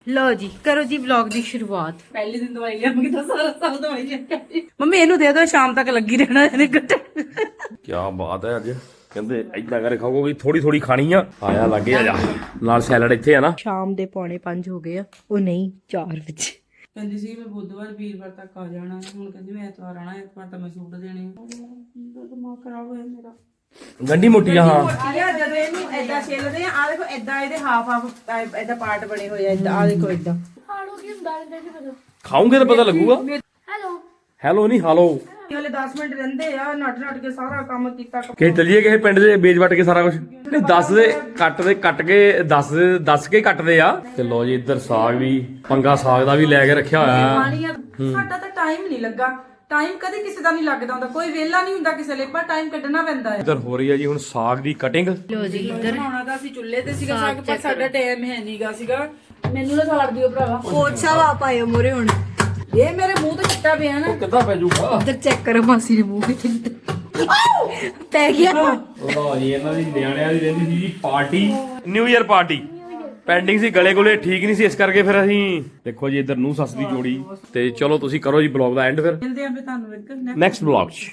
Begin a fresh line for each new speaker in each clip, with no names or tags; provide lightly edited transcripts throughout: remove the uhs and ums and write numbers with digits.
लो जी करो जी व्लॉग दी शुरुआत।
पहले दिन दवाई लिया मैं तो सारा साल दवाई लिया
मम्मी ਇਹਨੂੰ ਦੇ ਦਿਓ ਸ਼ਾਮ ਤੱਕ ਲੱਗੀ ਰਹਿਣਾ ਇਹਨੇ ਗੱਟੇ।
ਕੀ ਬਾਤ ਹੈ। ਅੱਜ ਕਹਿੰਦੇ ਇਦਾਂ ਕਰੇ ਖਾਓਗੇ ਥੋੜੀ ਥੋੜੀ ਖਾਣੀ ਆ। ਆਇਆ ਲੱਗੇ ਆ ਜਾ ਨਾਲ ਸੈਲਡ ਇੱਥੇ ਆ ਨਾ।
ਸ਼ਾਮ ਦੇ 4:45 ਹੋ ਗਏ ਆ। ਉਹ ਨਹੀਂ 4 ਵਜੇ।
ਕਹਿੰਦੀ ਸੀ ਮੈਂ ਬੁੱਧਵਾਰ ਵੀਰਵਾਰ ਤੱਕ ਆ ਜਾਣਾ ਹੁਣ ਕਹਿੰਦੀ ਮੈਂ ਐਤਵਾਰ ਆਣਾ ਐਤਵਾਰ ਤਾਂ ਮੈਂ ਸੂਟ ਦੇਣੇ ਦਿਮਾਗ ਖਰਾਬ ਹੋਇਆ ਮੇਰਾ।
ਗੰਢੀ ਮੋਟੀ ਆ ਹਾਂ।
ਯਾਰ ਜਦੋਂ ਇਹਨੂੰ ਐਦਾਂ ਛਿੱਲਦੇ ਆ ਦੇਖੋ ਐਦਾਂ ਇਹਦੇ ਹਾਫ ਐਦਾਂ ਪਾਰਟ ਬਣੇ ਹੋਏ ਆ ਐਦਾਂ ਆ ਦੇਖੋ ਐਦਾਂ।
ਹਾਲੋ ਕੀ ਹੁੰਦਾ ਹੈ ਦੇਖੋ ਪਤਾ।
ਖਾਓਗੇ ਤਾਂ ਪਤਾ ਲੱਗੂਗਾ।
ਹੈਲੋ
ਹੈਲੋ ਨਹੀਂ ਹਾਲੋ।
ਹਲੇ 10 ਮਿੰਟ ਰਹਿੰਦੇ ਆ ਨੱਟ ਕੇ ਸਾਰਾ ਕੰਮ ਕੀਤਾ।
ਕਿ ਚਲੀਏ ਕਿਸੇ ਪਿੰਡ ਦੇ ਵੇਚ ਵਟ ਕੇ ਸਾਰਾ ਕੁਝ ਦੱਸ ਦੇ ਕੱਟ ਕੇ ਦੱਸ ਕੇ ਕੱਟਦੇ ਆ। ਤੇ ਲੋ ਜੀ ਇੱਧਰ ਸਾਗ ਵੀ ਪੰਗਾ ਸਾਗ ਦਾ ਵੀ ਲੈ ਕੇ ਰੱਖਿਆ ਹੋਇਆ।
ਸਾਡਾ ਤਾਂ ਟਾਈਮ ਨਹੀਂ ਲੱਗਾ। ਟਾਈਮ ਕਦੇ ਕਿਸੇ ਦਾ ਨਹੀਂ ਲੱਗਦਾ ਹੁੰਦਾ ਕੋਈ ਵੇਲਾ ਨਹੀਂ ਹੁੰਦਾ ਕਿਸੇ ਲਈ ਪਰ ਟਾਈਮ ਕੱਢਣਾ ਪੈਂਦਾ ਹੈ।
ਇੱਧਰ ਹੋ ਰਹੀ ਹੈ ਜੀ ਹੁਣ ਸਾਗ ਦੀ ਕਟਿੰਗ।
ਲੋ ਜੀ ਇੱਧਰ
ਬਣਾਉਣਾ ਤਾਂ ਅਸੀਂ ਚੁੱਲ੍ਹੇ ਤੇ ਸੀਗਾ ਸਾਗ ਪਰ ਸਾਡਾ ਟਾਈਮ ਹੈ ਨਹੀਂਗਾ ਸੀਗਾ। ਮੈਨੂੰ ਨਾ ਸਾੜ ਦਿਓ ਭਰਾਵਾ।
ਕੋਚ ਸਾਹਿਬ ਆਪ ਆਇਓ ਮੋਰੇ ਹੁਣ।
ਇਹ ਮੇਰੇ ਮੂੰਹ ਤੇ ਚਿੱਟਾ ਪਿਆ ਨਾ।
ਕਿੱਦਾਂ ਪੈ ਜਾਊਗਾ।
ਇੱਧਰ ਚੈੱਕ ਕਰੋ ਮਾਸੀ ਦੇ ਮੂੰਹ ਵਿੱਚ ਪੈ ਗਿਆ।
ਲੋ ਜੀ ਇਹਨਾਂ ਦੀ ਨਿਆਣਿਆਂ ਦੀ ਰਹਿੰਦੀ ਸੀ ਜੀ party new year party. Pending ਸੀ ਗਲੇ ਗੁਲੇ ਠੀਕ ਨਹੀਂ ਸੀ ਇਸ ਕਰਕੇ ਫਿਰ ਅਸੀਂ ਦੇਖੋ ਜੀ ਇੱਧਰ ਨੂੰ ਸੱਸ ਦੀ ਜੋੜੀ। ਤੇ ਚਲੋ ਤੁਸੀਂ ਕਰੋ ਜੀ ਬਲੌਗ ਦਾ ਐਂਡ ਫਿਰ
ਮਿਲਦੇ ਆਂ ਫੇ ਤੁਹਾਨੂੰ ਇੱਕ
ਨੈਕਸਟ ਬਲੌਗ 'ਚ।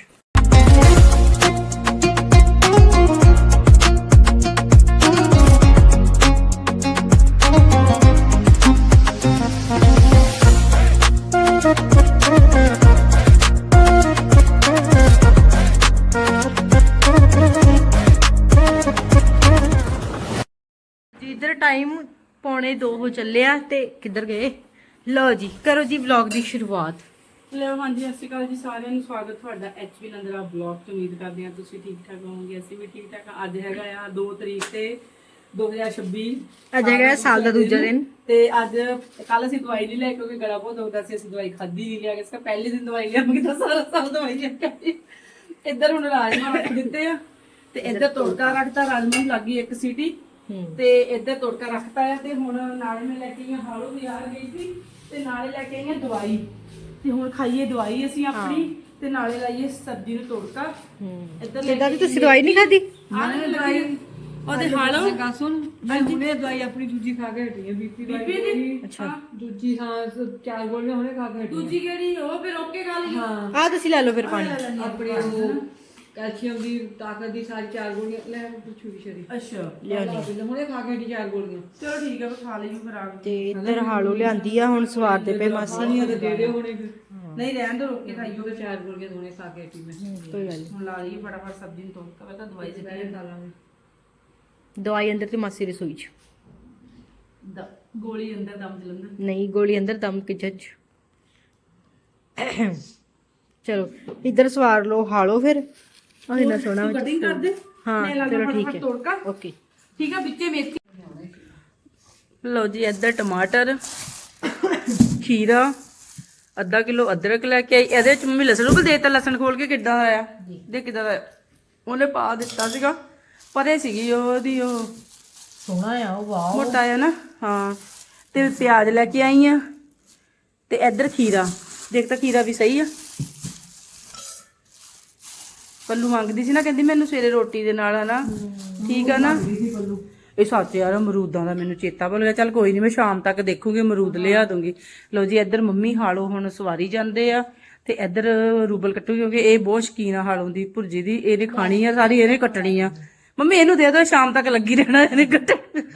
इधर टाइम 1:45 हो ਚੱਲਿਆ ਤੇ ਕਿੱਧਰ ਗਏ। ਲਓ ਜੀ ਕਰੋ ਜੀ ਵਲੌਗ ਦੀ ਸ਼ੁਰੂਆਤ।
ਲਓ ਹਾਂਜੀ ਸਤਿ ਸ਼੍ਰੀ ਅਕਾਲ ਜੀ ਸਾਰਿਆਂ ਨੂੰ ਸਵਾਗਤ ਤੁਹਾਡਾ ਐਚਪੀ ਨੰਦਰਾ ਬਲੌਗ ਤੋਂ। ਉਮੀਦ ਕਰਦੇ ਹਾਂ ਤੁਸੀਂ ਠੀਕ ਠਾਕ ਹੋਵੋਗੇ। ਅਸੀਂ ਵੀ ਠੀਕ ਠਾਕ ਹਾਂ। ਅੱਜ ਹੈਗਾ ਆ 2 ਤਰੀਕ ਤੇ 2026।
ਅੱਜ ਹੈਗਾ ਸਾਲ ਦਾ ਦੂਜਾ ਦਿਨ।
ਤੇ ਅੱਜ ਕੱਲ ਅਸੀਂ ਦਵਾਈ ਨਹੀਂ ਲੈ ਕਿਉਂਕਿ ਗਲਾ ਬਹੁਤ ਦੁਖਦਾ ਸੀ। ਅਸੀਂ ਦਵਾਈ ਖਾਧੀ ਨਹੀਂ ਲਿਆ ਇਸ ਪਹਿਲੇ ਦਿਨ ਦਵਾਈ ਲਿਆ ਮੈਂ ਤਾਂ ਸਾਰਾ ਸਾਲ ਦਵਾਈ ਲਿਆ। ਇੱਧਰ ਹੁਣ ਰਾਜਮਾ ਰੱਖ ਦਿੱਤੇ ਆ ਤੇ ਇੱਧਰ ਤੜਕਾ ਰੱਖਤਾ। ਰਾਜਮਾ ਨੂੰ ਲੱਗੀ ਇੱਕ ਸੀਟੀ ਤੇ ਇੱਧਰ ਤੜਕਾ ਰੱਖਤਾ ਹੈ। ਤੇ ਹੁਣ ਨਾਲੇ ਮੈਂ ਲੈ ਕੇ ਆਈ ਹਾਲੋ ਬਾਜ਼ਾਰ ਗਈ ਸੀ ਤੇ ਨਾਲੇ ਲੈ ਕੇ ਆਈ ਦਵਾਈ। ਤੇ ਹੁਣ ਖਾਈਏ ਦਵਾਈ ਅਸੀਂ ਆਪਣੀ ਤੇ ਨਾਲੇ ਲਾਈਏ ਸਬਜ਼ੀ ਨੂੰ ਤੜਕਾ। ਇੱਧਰ
ਕਿੱਦਾਂ ਦੀ ਤੁਸੀਂ ਦਵਾਈ ਨਹੀਂ ਖਾਦੀ।
ਆਹ ਦਵਾਈ ਉਹਦੇ ਹਾਲੋ
ਗੱਲ ਸੁਣ ਮੈਂ ਹੁਣੇ ਦਵਾਈ ਆਪਣੀ ਦੂਜੀ ਖਾ ਕੇ ਹਟੀ ਹੈ ਬੀਪੀ ਦੀ।
ਅੱਛਾ
ਦੂਜੀ ਹਾਂ 4 ਗੋਲੀਆਂ ਹੁਣੇ ਖਾ ਕੇ ਹਟੀ
ਦੂਜੀ ਕਿਹੜੀ ਉਹ ਫਿਰ ਓਕੇ ਗੱਲ
ਹਾਂ
ਆ ਤੁਸੀਂ ਲੈ ਲਓ ਫਿਰ ਪਾਣੀ।
ਆਪਣੀ ਉਹ ਕੈਲਸ਼ੀਅਮ ਦੀ ਤਾਕਤ ਦੀ ਸਾਰੀ 4 ਗੋਲੀਆਂ ਲੈ ਪੁੱਛੂ ਵੀ ਸ਼ਰੀ।
ਅੱਛਾ
ਲਿਆਉਣੀ ਹੁਣੇ ਖਾ ਕੇ ਹਟੀ 4 ਗੋਲੀਆਂ।
ਚਲੋ ਠੀਕ ਹੈ ਖਾ ਲਈਓ ਫਿਰ ਆ
ਤੇ ਇੱਧਰ ਹਾਲੋ ਲਿਆਂਦੀ ਆ ਹੁਣ ਸਵਾਰ ਦੇ ਪਏ ਮਾਸੀ।
ਪਾਣੀ ਦੇ ਦੇ ਹੁਣੇ ਫਿਰ
ਨਹੀਂ ਰਹਿਣ ਦੋ ਰੋਕ ਕੇ ਖਾਈਓ।
4 ਗੋਲੀਆਂ ਹੁਣੇ ਖਾ ਕੇ ਹਟੀ ਮੈਂ।
ਕੋਈ ਗੱਲ
ਹੁਣ ਲਾ ਲਈਏ ਫਟਾਫਟ ਸਬਜ਼ੀ ਨੂੰ ਤੜਕਾ। ਪਹਿਲਾਂ ਦਵਾਈ ਦੇ
ਪਹਿਲੇ ਡਾਲਾਂਗੇ
ਨਹੀਂ। ਦਵਾਈ ਅੰਦਰ ਤੇ ਮਾਸੀ ਰਸੋਈ ਚ।
ਗੋਲੀ ਅੰਦਰ ਦਮ ਜਲੰਦਰ।
ਨਹੀਂ ਗੋਲੀ ਅੰਦਰ ਦਮ ਕੇ ਜੱਜ। ਚਲੋ ਇੱਧਰ ਸਵਾਰ ਲਓ ਹਾਲੋ ਫਿਰ। ਉਹ ਇੰਨਾ ਸੋਹਣਾ
ਕਟਿੰਗ ਕਰ ਦੇ।
ਹਾਂ ਚਲੋ ਠੀਕ ਹੈ
ਤੜਕਾ
ਓਕੇ
ਠੀਕ ਹੈ। ਵਿੱਚੇ ਮੇਥੀ ਲਓ ਜੀ ਇੱਧਰ ਟਮਾਟਰ ਖੀਰਾ ਅੱਧਾ ਕਿਲੋ ਅਦਰਕ ਲੈ ਕੇ ਆਈ। ਇਹਦੇ ਵਿੱਚ ਮੰਮੀ ਲਸਣ ਨੂੰ ਦੇਤਾ। ਲਸਣ ਖੋਲ ਕੇ ਕਿੱਦਾਂ ਦਾ ਆਇਆ ਦੇ ਕਿੱਦਾਂ ਦਾ ਉਹਨੇ ਪਾ ਦਿੱਤਾ ਸੀਗਾ। ਪਰੇ ਸੀਗੀ ਉਹਦੀ ਉਹ
ਸੋਹਣਾ ਆ ਉਹ ਵਾਓ
ਮੋਟਾ ਆ ਨਾ। ਹਾਂ ਤੇ ਪਿਆਜ਼ ਲੈ ਕੇ ਆਈ ਆ ਤੇ ਇੱਧਰ ਖੀਰਾ ਦੇਖ ਤਾਂ ਖੀਰਾ ਵੀ ਸਹੀ ਆ। ਪੱਲੂ ਮੰਗਦੀ ਸੀ ਨਾ ਕਹਿੰਦੀ ਮੈਨੂੰ ਸਵੇਰੇ ਰੋਟੀ ਦੇ ਨਾਲ ਹਨਾ ਠੀਕ ਆ ਨਾ। ਇਹ ਸੱਚ ਯਾਰ ਅਮਰੂਦਾਂ ਦਾ ਮੈਨੂੰ ਚੇਤਾ ਭੁੱਲ ਗਿਆ। ਚੱਲ ਕੋਈ ਨਹੀਂ ਮੈਂ ਸ਼ਾਮ ਤੱਕ ਦੇਖੂਗੀ ਅਮਰੂਦ ਲਿਆ ਦੂੰਗੀ। ਲਓ ਜੀ ਇੱਧਰ ਮੰਮੀ ਹਾਲੋ ਹੁਣ ਸਵਾਰੀ ਜਾਂਦੇ ਆ ਤੇ ਇੱਧਰ ਰੂਬਲ ਕੱਟੂਗੀ ਕਿਉਂਕਿ ਇਹ ਬਹੁਤ ਸ਼ੌਕੀਨ ਆ ਹਾਲੋਂ ਦੀ ਭੁਰਜੀ ਦੀ। ਇਹਨੇ ਖਾਣੀ ਆ ਸਾਰੀ ਇਹਨੇ ਕੱਟਣੀ ਆ। ਮੰਮੀ ਇਹਨੂੰ ਦੇ ਦਿਓ ਸ਼ਾਮ ਤੱਕ ਲੱਗੀ ਰਹਿਣਾ ਇਹਨੇ ਕੱਟ।